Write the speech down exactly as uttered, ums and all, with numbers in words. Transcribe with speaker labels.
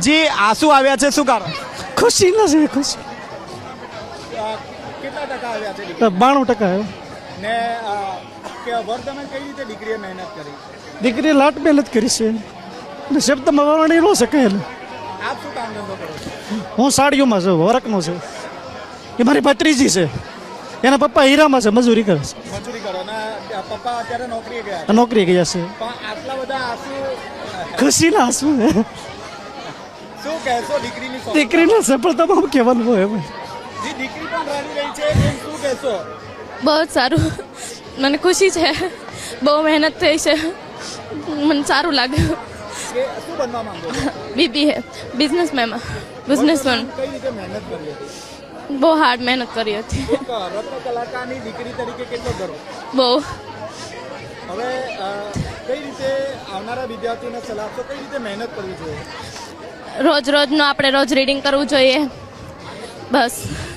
Speaker 1: જી આંસુ આવ્યા છે, શું કારણ?
Speaker 2: ખુશી ના છે, ખુશી.
Speaker 1: કેટલા ટકા આવ્યા છે દીકરી?
Speaker 2: બાણું ટકા
Speaker 1: ને અ, કે વર્ધમાન કઈ રીતે દીકરીએ મહેનત કરી?
Speaker 2: દીકરીએ લાટ મહેનત કરી છે અને શબ્દમાં વર્ણી ન શકે.
Speaker 1: આપ શું કામ ધંધો કરો છો?
Speaker 2: હું સાડીઓમાં છું, વરકનો છે. એ મારી ભત્રીજી છે, એના પપ્પા હીરામાં છે, મજૂરી કરે છે.
Speaker 1: મજૂરી કરો ને પપ્પા અત્યારે નોકરીએ ગયા
Speaker 2: આ નોકરી ગયા છે.
Speaker 1: પણ આટલા બધા આંસુ
Speaker 2: ખુશીના આંસુ.
Speaker 1: શું કહેશો દીકરીની સફળતા?
Speaker 2: દીકરીને સફળતામાં કહેવાનું હોય.
Speaker 1: જી દીકરી પણ રડી રહી છે, એમ શું કહેશો?
Speaker 3: બહુ જ સારું, મને ખુશી છે. બહુ મહેનત થઈ છે, મને સારું લાગ્યું.
Speaker 1: કે શું બનવા માંગો છો?
Speaker 3: બીબી હે બિઝનેસમેનમાં બિઝનેસમેન.
Speaker 1: કઈ રીતે મહેનત કરી હતી?
Speaker 3: બહુ હાર્ડ મહેનત કરી હતી,
Speaker 1: એક રત્ન કલાકારની દીકરી તરીકે કેટલો ગર્વ?
Speaker 3: બહુ.
Speaker 1: હવે અ, કઈ રીતે આવનારા વિદ્યાર્થીઓને સલાહ આપશો? કઈ રીતે મહેનત કરવી જોઈએ?
Speaker 3: રોજ રોજનું આપણે રોજ રીડિંગ કરવું જોઈએ, બસ.